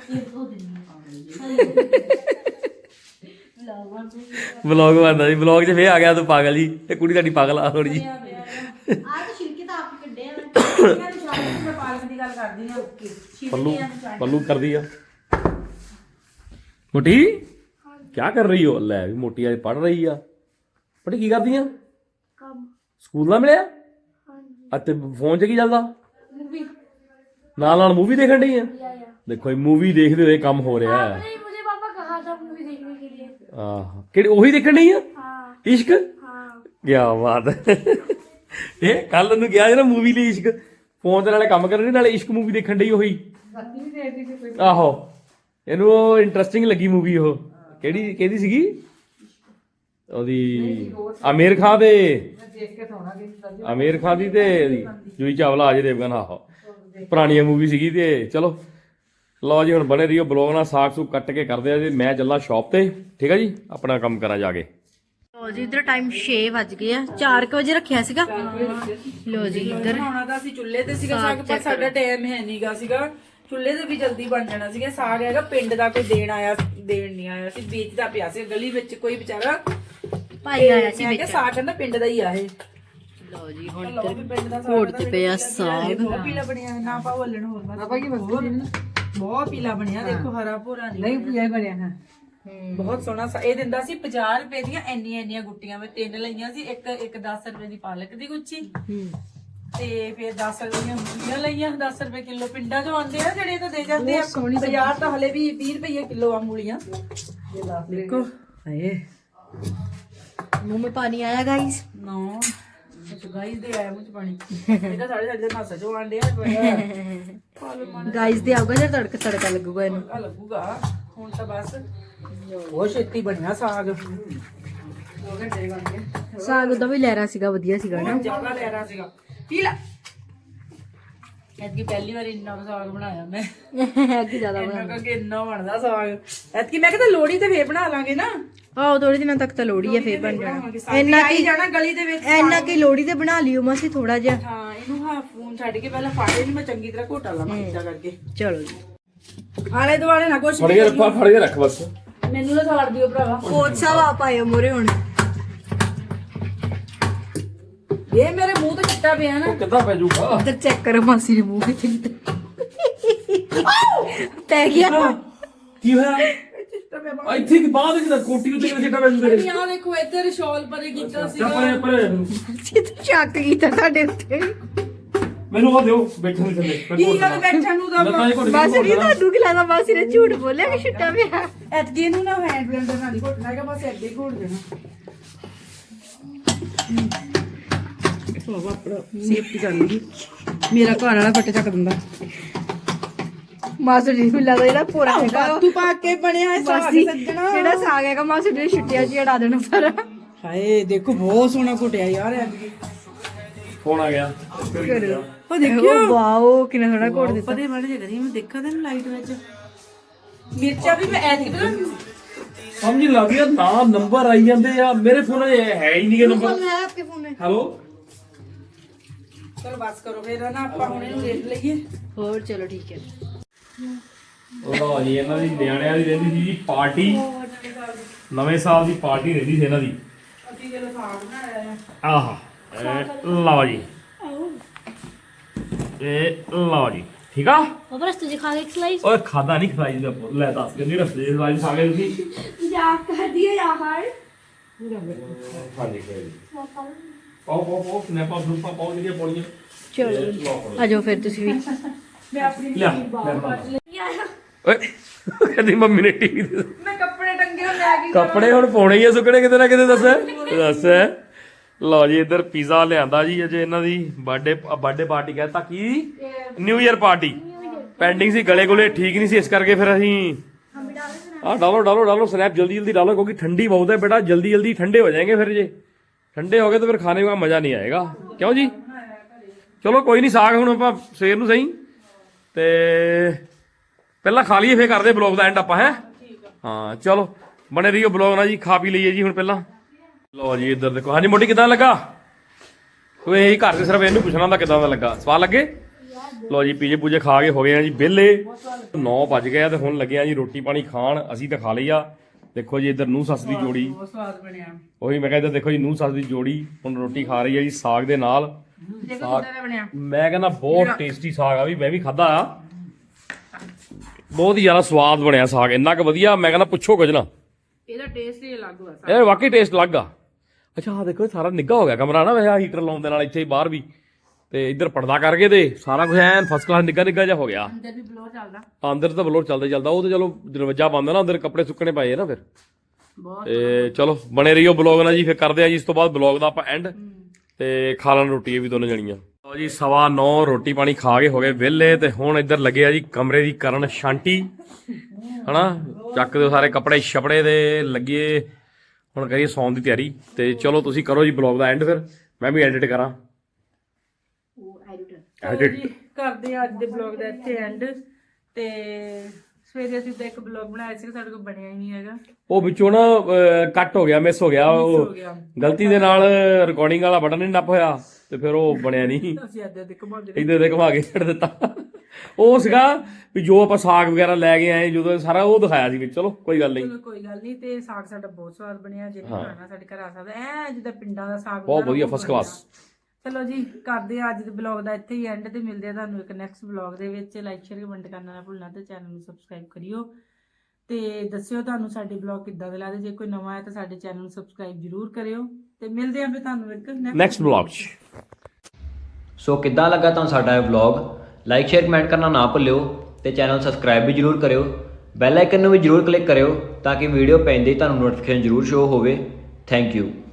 ਵਲੌਗ ਬਣਦਾ ਜੀ ਵਲੌਗ 'ਚ ਫੇਰ ਆ ਗਿਆ ਤੂੰ ਪਾਗਲ ਜੀ ਇਹ ਕੁੜੀ ਤੁਹਾਡੀ ਪਾਗਲ ਆ ਥੋੜੀ ਜੀ
ਆ ਤਾਂ ਛਿਲਕੇ ਤਾਂ ਆਪ ਹੀ ਕੱਢੇ ਆ
ਮੈਂ ਪਾਲਕ ਦੀ ਗੱਲ ਕਰਦੀ ਆ ਓਕੇ
ਪੱਲੂ ਕਰਦੀ ਆ ਮੋਟੀ ਕੀ ਕਰ ਰਹੀ ਹੋ ਲੈ ਵੀ ਮੋਟੀ ਅੱਜ ਪੜ ਰਹੀ ਆ ਪੜੀ ਕੀ ਕਰਦੀ ਆ
ਕੰਮ
ਸਕੂਲ ਦਾ ਮਿਲਿਆ ਅਤੇ ਫੋਨ 'ਚ ਕੀ ਚੱਲਦਾ ਨਾਲ ਮੂਵੀ ਦੇਖਣ ਡਈ ਆ ਦੇਖੋ ਇਹ ਮੂਵੀ ਦੇਖਦੇ ਹੋਏ ਕੰਮ ਹੋ ਰਿਹਾ ਹੈ
नहीं मुझे पापा कहा था मूवी देखने के लिए
ਆਹ ਕਿਹੜੀ ਉਹੀ ਦੇਖਣ ਡਈ ਆ
हाँ
ਇਸ਼ਕ
हाँ
ਕੀ ਬਾਤ ਹੈ ਇਹ ਕੱਲ ਨੂੰ ਗਿਆ ਜਿਹੜਾ ਮੂਵੀ ਲਈ ਇਸ਼ਕ ਫੋਨ ਦੇ ਨਾਲੇ ਕੰਮ ਕਰਨ ਨਾਲੇ ਇਸ਼ਕ ਮੂਵੀ ਦੇਖਣ ਡਈ ਉਹੀ ਆਹੋ ਇਹਨੂੰ ਉਹ ਇੰਟਰਸਟਿੰਗ ਲੱਗੀ ਮੂਵੀ ਉਹ ਕਿਹਦੀ ਸੀਗੀ ਉਹਦੀ ਆਮੀਰ ਖਾਨ ਦੇ ਆਮੀਰ ਖਾਨ ਦੀ ਤੇ ਜੂਹੀ ਚਾਵਲਾ ਅਜੇ ਦੇਵਗਨ ਆਹੋ ਪੁਰਾਣੀ ਮੂਵੀ ਸੀਗੀ ਤੇ ਚਲੋ ਲਓ ਜੀ ਹੁਣ ਬਣੇ ਰਹੀਓ ਬਲੌਗ ਨਾਲ ਸਾਗ ਸੂਗ ਕੱਟ ਕੇ ਕਰਦੇ ਆ ਜੀ ਮੈਂ ਚੱਲਾਂ ਸ਼ਾਪ ਤੇ ਠੀਕ ਆ ਜੀ ਆਪਣਾ ਕੰਮ ਕਰਾਂ ਜਾ ਕੇ
ਲੋ ਜੀ ਇਧਰ ਟਾਈਮ 6 ਵੱਜ ਗਏ ਆ 4 ਵਜੇ ਰੱਖਿਆ ਸੀਗਾ ਲੋ ਜੀ ਇਧਰ
ਬਣਾਉਣਾ ਤਾਂ ਅਸੀਂ ਚੁੱਲ੍ਹੇ ਤੇ ਸੀਗਾ ਸਾਗ ਪਰ ਸਾਡਾ ਟਾਈਮ ਹੈ ਨਹੀਂਗਾ ਸੀਗਾ ਚੁੱਲ੍ਹੇ ਤੇ ਵੀ ਜਲਦੀ ਬਣ ਜਾਣਾ ਸੀਗਾ ਸਾਗ ਹੈਗਾ ਪਿੰਡ ਦਾ ਕੋਈ ਦੇਣ ਨਹੀਂ ਆਇਆ ਸੀ ਵੇਚਦਾ ਪਿਆ ਸੀ ਗਲੀ ਵਿੱਚ ਕੋਈ ਵਿਚਾਰਾ
ਭਾਈ ਆਇਆ ਸੀ
ਮੈਂ ਕਿਹਾ ਸਾਗ ਕਹਿੰਦਾ ਪਿੰਡ ਦਾ ਹੀ ਆ ਇਹ
ਲੋ ਜੀ ਹੁਣ
ਲਓ ਵੀ ਪਿੰਡ ਦਾ
ਘੋੜ ਤੇ ਪਿਆ ਸਾਗ
ਬਹੁਤ ਪੀਲਾ ਬਣਿਆ ਨਾ ਪਾ ਹੱਲਣ ਹੋਰ ਬਹੁਤ ਪੀਲਾ ਬਣਿਆ ਦੇਖੋ ਹਰਾ ਭੋਰਾ ਨਹੀਂ
ਪੀਆ ਬਣਿਆ ਹਾਂ
ਬਹੁਤ ਸੋਹਣਾ ਇਹ ਦਿੰਦਾ ਸੀ 50 ਰੁਪਏ ਦੀਆਂ ਇੰਨੀਆਂ ਗੁੱਟੀਆਂ ਮੈਂ 3 ਲਈਆਂ ਸੀ ਇੱਕ 10 ਰੁਪਏ ਦੀ ਪਾਲਕ ਦੀ ਗੁੱਛੀ ਤੇ ਫਿਰ 10 ਰੁਪਏ ਦੀਆਂ ਮੂਲੀਆਂ ਲਈਆਂ 10 ਰੁਪਏ ਕਿਲੋ ਪਿੰਡਾਂ ਚੋਂ ਆਉਂਦੇ ਆ ਜਿਹੜੇ ਤਾਂ ਦੇ ਜਾਂਦੇ ਆ ਬਾਜ਼ਾਰ ਤਾਂ ਹਲੇ ਵੀ 20 ਰੁਪਏ ਕਿਲੋ ਆ ਮੂਲੀਆਂ ਦੇਖੋ ਹਾਏ
ਮੂੰਹ में पानी आया गाइस
ਨੋ ਗਾਈਸ ਦੇ ਆਇਆ ਮੁਝ ਪਾਣੀ ਇਹਦਾ ਸਾਡੇ ਦੇ ਨਾਸਾ ਚੋਂ ਆਂਡੇ ਆ
गाइस दे आऊगा जब तड़का लगूगा ਇਹਨੂੰ
ਆ ਲੱਗੂਗਾ ਹੁਣ ਤਾਂ ਬਸ ਬਹੁਤ ਛੇਤੀ ਬਣਿਆ ਸਾਗ 2 ਘੰਟੇ ਬਣ ਗਿਆ
ਸਾਗ ਉਹਦਾ ਵੀ ਲਹਿਰਾ ਸੀਗਾ ਵਧੀਆ ਸੀਗਾ ਨਾ
ਜ਼ਿਆਦਾ ਲੈ ਰਹਾ ਸੀਗਾ ਪੀ ਲੈ ਐਤਕੀ ਪਹਿਲੀ ਵਾਰ ਇੰਨਾ ਕੁ ਸਾਗ ਬਣਾਇਆ ਮੈਂ
ਐਤਕੀ ਜ਼ਿਆਦਾ
ਇੰਨਾ ਕਿ ਇੰਨਾ ਬਣਦਾ ਸਾਗ ਐਤਕੀ ਮੈਂ ਕਿਹਾ ਲੋਹੜੀ ਤੇ ਫੇਰ ਬਣਾ ਲਾਂਗੇ ਨਾ
ਆਹੋ ਥੋੜੇ ਦਿਨਾਂ ਤੱਕ ਤਾਂ ਲੋੜੀ ਆ ਫੇਰ ਬਣ ਜਾਣਾ
ਇੰਨਾ ਕੀ ਜਾਣਾ ਗਲੀ ਦੇ ਵਿੱਚ
ਇੰਨਾ ਕੀ ਲੋੜੀ ਤੇ ਬਣਾ ਲਿਓ ਮਾਸੀ ਥੋੜਾ ਜਿਹਾ
ਹਾਂ ਇਹਨੂੰ ਹਾਂ ਫੋਨ ਛੱਡ ਕੇ ਪਹਿਲਾਂ ਫਾੜੇ ਨੂੰ ਮੈਂ ਚੰਗੀ ਤਰ੍ਹਾਂ ਘੋਟਾ ਲਾਵਾਂ ਇੱਦਾਂ ਕਰਕੇ
ਚਲੋ ਜੀ
ਆਲੇ ਦੁਆਲੇ ਨਾ ਕੁਛ
ਫੜ ਕੇ ਰੱਖ ਬਸ
ਮੈਨੂੰ ਨਾ ਸਾੜ ਦਿਓ ਭਰਾਵਾ
ਕੋਚ ਸਾਹਿਬ ਆ ਪਾਏ ਮੋਰੇ ਹੁਣ
ਇਹ ਮੇਰੇ ਮੂੰਹ ਤੇ ਚਿੱਟਾ ਪਿਆ ਨਾ
ਕਿੱਦਾਂ ਪੈ ਜਾਊਗਾ
ਇੱਧਰ ਚੈੱਕ ਕਰੋ ਮਾਸੀ ਦੇ ਮੂੰਹ ਵਿੱਚ ਪੈ ਗਿਆ
ਕੀ ਹੋਇਆ ਇੱਥੇ ਕੀ ਬਾਅਦ ਕਿਦਾ ਕੋਟੀ ਉੱਤੇ ਕਿਹੜਾ ਚਿੱਟਾ ਪੈ ਜੂਗਾ
ਯਾਰ ਦੇਖੋ ਇੱਧਰ ਸ਼ਾਲ ਪਰੇ ਕੀਤਾ ਸੀ
ਪਰੇ
ਸਿੱਧਾ ਚੱਕ ਕੀਤਾ ਸਾਡੇ ਉੱਤੇ
ਮੈਨੂੰ ਉਹ ਦਿਓ ਬੈਠਣ ਦੇ ਥੱਲੇ
ਕੀ ਗੱਲ ਬੈਠਣ ਨੂੰ ਤਾਂ
ਬਸ ਨਹੀਂ ਤੁਹਾਨੂੰ ਕੀ ਲੱਗਦਾ ਮਾਸੀ ਨੇ ਝੂਠ ਬੋਲਿਆ ਕਿ ਛਿੱਟਾ ਪਿਆ
ਐਤਕੀ ਇਹਨੂੰ ਨਾ ਹੈਂਡ ਬਲੈਂਡਰ ਨਾਲ ਹੀ ਘੋਟਣਾ ਹੈਗਾ ਬਸ ਐਡੇ ਹੀ ਘੋਟ ਦੇਣਾ ਉਹ ਆਪਣਾ ਸੇਫਟੀ ਕਰਨੀ ਮੇਰਾ ਘਰ ਵਾਲਾ ਫੱਟੇ ਚੱਕ ਦਿੰਦਾ
ਮਾਸੀ ਜੀ ਨੂੰ ਲੱਗਦਾ ਇਹਦਾ ਪੂਰਾ ਹੈਗਾ
ਤੂੰ ਪਾ ਕੇ ਬਣਿਆ ਹੈ ਸਾਗ
ਮਾਸੀ
ਸੱਜਣਾ
ਜਿਹੜਾ ਸਾਗ ਹੈਗਾ ਮਾਸੀ ਨੇ ਛੁੱਟੀਆਂ 'ਚ ਅੜਾ ਦੇਣਾ ਸਾਰਾ
ਹਾਏ ਦੇਖੋ ਬਹੁਤ ਸੋਹਣਾ ਘੁੱਟਿਆ ਯਾਰ ਐਤਕੀ
ਫੋਨ ਆ ਗਿਆ
ਉਹ ਦੇਖਿਓ
ਵਾਓ ਕਿੰਨਾ ਸੋਹਣਾ ਘੋੜ ਦਿੱਤਾ
ਪਤੇ ਮੜ ਜੇ ਕਰੀ ਮੈਂ ਦੇਖਾਂ ਤੈਨੂੰ ਲਾਈਟ ਵਿੱਚ ਮਿਰਚਾਂ ਵੀ ਮੈਂ ਐਤਕੀ ਪਤਾ
ਸਮਝ ਨਹੀਂ ਲੱਗਦੀ ਆ ਨਾ ਨੰਬਰ ਆਈ ਜਾਂਦੇ ਆ ਮੇਰੇ ਫੋਨ 'ਚ ਹੈ ਹੀ ਨਹੀਂ ਇਹ ਨੰਬਰ
ਹੈ ਆਪਕੇ ਫੋਨ में
ਹੈਲੋ
ਚਲੋ ਬਸ ਕਰੋ ਫੇਰ ਨਾ ਆਪਾਂ ਹੁਣ ਇਹਨੂੰ ਦੇਖ ਲਈਏ
ਹੋਰ ਚਲੋ ਠੀਕ ਹੈ
ਲਓ ਜੀ ਇਹਨਾਂ ਦੀ ਨਿਆਣਿਆਂ ਦੀ ਰਹਿੰਦੀ ਸੀ ਜੀ ਪਾਰਟੀ ਨਵੇਂ ਸਾਲ ਦੀ ਪਾਰਟੀ ਰਹਿੰਦੀ ਸੀ ਇਹਨਾਂ ਦੀ
ਅਸੀਂ ਜਦੋਂ ਸਾਗ ਬਣਾਇਆ ਆ
ਆਹਾ ਲਓ ਜੀ ਇਹ ਲਓ ਜੀ ਠੀਕ ਆ
पापा रस्ते से खा के स्लाइस
ਓਏ ਖਾਦਾ ਨਹੀਂ ਖਲਾਈ ਦਾ ਪੁੱਤ। ਲੈ ਦੱਸ ਕਿੰਨੀ ਰਸਤੇ ਦੇ ਸਾਜ ਸਾਗੇ ਤੁਸੀਂ
जा कर दिया यार
ਖਾਦੇ ਕੇ ਪਾਓ ਸਨੈਪਾ ਗਰੁੱਪਾ ਪਾਓ ਜਿਹੜੀਆਂ ਪੌੜੀਆਂ
ਚਲੋ ਆਜੋ ਫਿਰ ਤੁਸੀਂ ਵੀ
ਮੈਂ ਆਪਣੀ
ਲਿਆ ਓਏ ਕਹਿੰਦੀ ਮੰਮੀ ਨੇ ਟੀਵੀ ਦੇ
ਮੈਂ ਕੱਪੜੇ ਟੰਗੇ ਹੋਏ ਲੈ ਗਈ
ਕੱਪੜੇ ਹੁਣ ਪਾਉਣੇ ਹੀ ਆ ਸੁੱਕਣੇ ਕਿਤੇ ਨਾ ਕਿਤੇ ਦੱਸ ਲਓ ਜੀ ਇੱਧਰ ਪੀਜ਼ਾ ਲਿਆਂਦਾ ਜੀ ਅਜੇ ਇਹਨਾਂ ਦੀ ਬਰਥਡੇ ਪਾਰਟੀ ਕਹਿੰਦਾ ਕੀ ਨਿਊ ਇਅਰ ਪਾਰਟੀ ਪੈਂਡਿੰਗ ਸੀ ਗਲੇ ਗੁਲੇ ਠੀਕ ਨਹੀਂ ਸੀ ਇਸ ਕਰਕੇ ਫਿਰ ਅਸੀਂ डालो स्नैप जल्दी जल्दी डालो क्योंकि ठंडी बहुत है बेटा जल्दी जल्दी ठंडे हो जाएंगे फिर ये ठंडे हो गए तो फिर खाने का मजा नहीं आएगा क्यों जी चलो कोई नहीं साग ਹੁਣ ਆਪਾਂ ਸਵੇਰ ਨੂੰ ਸਹੀ ਤੇ ਪਹਿਲਾਂ ਖਾ ਲਈਏ ਫੇਰ ਕਰਦੇ ਬਲੌਗ ਦਾ ਐਂਡ ਆਪਾਂ ਹੈ ਹਾਂ ਚਲੋ ਬਣੇ ਰਹੀਓ ਬਲੌਗ ਨਾਲ ਜੀ ਖਾ ਪੀ ਲਈਏ ਜੀ ਹੁਣ ਪਹਿਲਾਂ ਲਓ ਜੀ ਇੱਧਰ ਦੇਖੋ ਹਾਂਜੀ ਮੋਟੀ ਕਿਦਾਂ ਲੱਗਾ ਕੋਈ ਇਹੀ ਘਰ ਦੇ ਸਿਰਫ ਇਹਨੂੰ ਪੁੱਛਣਾ ਹੁੰਦਾ ਕਿਦਾਂ ਦਾ ਲੱਗਾ ਸਵਾਦ ਲੱਗੇ ਲੋ ਜੀ ਪੀਜੇ ਪੂਜੇ ਖਾ ਕੇ ਹੋ ਗਏ ਆ ਜੀ ਵਿਹਲੇ 9 ਵੱਜ ਗਏ ਆ ਤੇ ਹੁਣ ਲੱਗੇ ਆ ਜੀ ਰੋਟੀ ਪਾਣੀ ਖਾਣ ਅਸੀਂ ਤਾਂ ਖਾ ਲਈ ਆ ਦੇਖੋ ਜੀ ਇੱਧਰ ਨੂੰਹ ਸੱਸ ਦੀ ਜੋੜੀ
ਬਹੁਤ ਸਵਾਦ ਬਣਿਆ
ਉਹੀ ਮੈਂ ਕਹਿੰਦਾ ਦੇਖੋ ਜੀ ਨੂੰਹ ਸੱਸ ਦੀ ਜੋੜੀ ਹੁਣ ਰੋਟੀ ਖਾ ਰਹੀ ਆ ਜੀ ਸਾਗ ਦੇ ਨਾਲ
ਦੇਖੋ ਕਿੱਦਾਂ ਦਾ ਬਣਿਆ
ਮੈਂ ਕਹਿੰਦਾ ਬਹੁਤ ਟੇਸਟੀ ਸਾਗ ਆ ਵੀ ਮੈਂ ਵੀ ਖਾਦਾ ਆ ਬਹੁਤ ਹੀ ਜ਼ਿਆਦਾ ਸਵਾਦ ਬਣਿਆ ਸਾਗ ਇੰਨਾ ਕੁ ਵਧੀਆ ਮੈਂ ਕਹਿੰਦਾ ਪੁੱਛੋ ਕੁਝ ਨਾ
ਇਹਦਾ ਟੇਸਟ ਹੀ ਅਲੱਗ ਹੋਇਆ
ਇਹ ਵਾਕਈ ਟੇਸਟ ਲੱਗ ਆ ਅੱਛਾ ਆ ਦੇਖੋ ਸਾਰਾ ਨਿੱਘਾ ਹੋ ਗਿਆ ਕਮਰਾ ਨਾ ਵੈਸੇ ਹੀਟਰ ਲਾਉਣ ਦੇ ਨਾਲ ਇੱਥੇ ਬਾਹਰ ਵੀ ਤੇ ਇੱਧਰ ਪਰਦਾ ਕਰਕੇ ਤੇ ਸਾਰਾ ਕੁਝ ਐਨ ਫਸਟ ਕਲਾਸ ਨਿੱਘਾ ਜਿਹਾ ਹੋ ਗਿਆ
ਅੰਦਰ ਵੀ ਬਲੋ ਚੱਲਦਾ
ਅੰਦਰ ਤਾਂ ਬਲੋਰ ਚੱਲਦਾ ਉਹ ਤਾਂ ਚਲੋ ਦਰਵਾਜ਼ਾ ਬੰਦ ਨਾ ਅੰਦਰ ਕੱਪੜੇ ਸੁੱਕਣੇ ਪਏ ਆ ਨਾ ਫਿਰ
ਬਹੁਤ
ਤੇ ਚਲੋ ਬਣੇ ਰਹੀਓ ਬਲੌਗ ਨਾਲ ਜੀ ਫਿਰ ਕਰਦੇ ਆ ਜੀ ਇਸ ਤੋਂ ਬਾਅਦ ਬਲੌਗ ਦਾ ਆਪਾਂ ਐਂਡ ਤੇ ਖਾ ਲੈਣ ਰੋਟੀ ਇਹ ਵੀ ਦੋਨੋਂ ਜਣੀਆਂ ਲਓ ਜੀ 9:15 ਰੋਟੀ ਪਾਣੀ ਖਾ ਕੇ ਹੋ ਗਏ ਵਿਹਲੇ ਤੇ ਹੁਣ ਇੱਧਰ ਲੱਗੇ ਆ ਜੀ ਕਮਰੇ ਦੀ ਕਰਨ ਸ਼ਾਂਤੀ ਹਨਾ ਚੱਕ ਦਿਓ ਸਾਰੇ ਕੱਪੜੇ ਛਪੜੇ ਦੇ ਲੱਗੇ ਹੁਣ ਕਰੀਏ ਸੌਣ ਦੀ ਤਿਆਰੀ ਤੇ ਚਲੋ ਤੁਸੀਂ ਕਰੋ ਜੀ ਬਲੌਗ ਦਾ ਐਂਡ ਫਿਰ ਮੈਂ ਵੀ ਐਡਿਟ ਕਰਾਂ
ਜੀ ਕਰਦੇ ਆ ਅੱਜ ਦੇ ਬਲੌਗ ਦਾ ਇੱਥੇ ਐਂਡ ਤੇ ਸਵੇਰੇ ਅਸੀਂ ਤਾਂ ਇੱਕ ਬਲੌਗ ਬਣਾਇਆ ਸੀ ਸਾਡੇ ਕੋਲ ਬਣਿਆ ਹੀ ਨਹੀਂ ਹੈਗਾ
ਉਹ ਵਿੱਚੋਂ ਨਾ ਕੱਟ ਹੋ ਗਿਆ ਮਿਸ ਹੋ ਗਿਆ ਉਹ ਗਲਤੀ ਦੇ ਨਾਲ ਰਿਕਾਰਡਿੰਗ ਵਾਲਾ ਬਟਨ ਨਹੀਂ ਨੱਪ ਹੋਇਆ ਤੇ ਫਿਰ ਉਹ ਬਣਿਆ ਨਹੀਂ
ਅਸੀਂ ਅੱਧੇ ਅੱਧੇ ਘੁਮਾਉਂਦੇ
ਇੱਧਰ ਦੇ ਘੁਮਾ ਕੇ ਛੱਡ ਦਿੱਤਾ ਉਹ ਸੀਗਾ ਵੀ ਜੋ ਆਪਾਂ ਸਾਗ ਵਗੈਰਾ ਲੈ ਕੇ ਆਏ ਜਦੋਂ ਸਾਰਾ ਉਹ ਦਿਖਾਇਆ ਸੀ ਵਿੱਚ ਚਲੋ ਕੋਈ ਗੱਲ ਨਹੀਂ
ਚਲੋ ਕੋਈ ਗੱਲ ਨਹੀਂ ਤੇ ਸਾਗ ਸਾਡਾ ਬਹੁਤ ਸਵਾਦ ਬਣਿਆ ਜਿਹਨੇ ਖਾਣਾ ਸਾਡੇ ਘਰ ਆ ਸਕਦਾ ਐ ਜਿੱਦਾਂ ਪਿੰਡਾਂ ਦਾ ਸਾਗ
ਬਹੁਤ ਵਧੀਆ ਫਸਟ ਕਲਾਸ
ਚਲੋ ਜੀ ਕਰਦੇ ਆ ਅੱਜ ਦੇ ਬਲੌਗ ਦਾ ਇੱਥੇ ਹੀ ਐਂਡ ਤੇ ਮਿਲਦੇ ਆ ਤੁਹਾਨੂੰ ਇੱਕ ਨੈਕਸਟ ਬਲੌਗ ਦੇ ਵਿੱਚ ਲਾਈਕ ਸ਼ੇਅਰ ਕਮੈਂਟ ਕਰਨਾ ਨਾ ਭੁੱਲਣਾ ਤੇ ਚੈਨਲ ਨੂੰ ਸਬਸਕ੍ਰਾਈਬ ਕਰਿਓ ਤੇ ਦੱਸਿਓ ਤੁਹਾਨੂੰ ਸਾਡੇ ਬਲੌਗ ਕਿੱਦਾਂ ਦੇ ਲੱਗਦੇ ਜੇ ਕੋਈ ਨਵਾਂ ਹੈ ਤਾਂ ਸਾਡੇ ਚੈਨਲ ਨੂੰ ਸਬਸਕ੍ਰਾਈਬ ਜ਼ਰੂਰ ਕਰਿਓ ਤੇ ਮਿਲਦੇ ਆਂ ਫਿਰ ਤੁਹਾਨੂੰ ਇੱਕ
ਨੈਕਸਟ ਬਲੌਗ 'ਚ
ਸੋ ਕਿੱਦਾਂ ਲੱਗਾ ਤੁਹਾਨੂੰ ਸਾਡਾ ਇਹ ਵਲੌਗ ਲਾਈਕ ਸ਼ੇਅਰ ਕਮੈਂਟ ਕਰਨਾ ਨਾ ਭੁੱਲਿਓ ਤੇ ਚੈਨਲ ਸਬਸਕ੍ਰਾਈਬ ਵੀ ਜਰੂਰ ਕਰਿਓ ਬੈਲ ਆਈਕਨ ਨੂੰ ਵੀ ਜਰੂਰ ਕਲਿੱਕ ਕਰਿਓ ਤਾਂ ਕਿ ਵੀਡੀਓ ਪੈਂਦੇ ਹੀ ਤੁਹਾਨੂੰ ਨੋਟੀਫਿਕੇਸ਼ਨ ਜਰੂਰ ਸ਼ੋ ਹੋਵੇ ਥੈਂਕ ਯੂ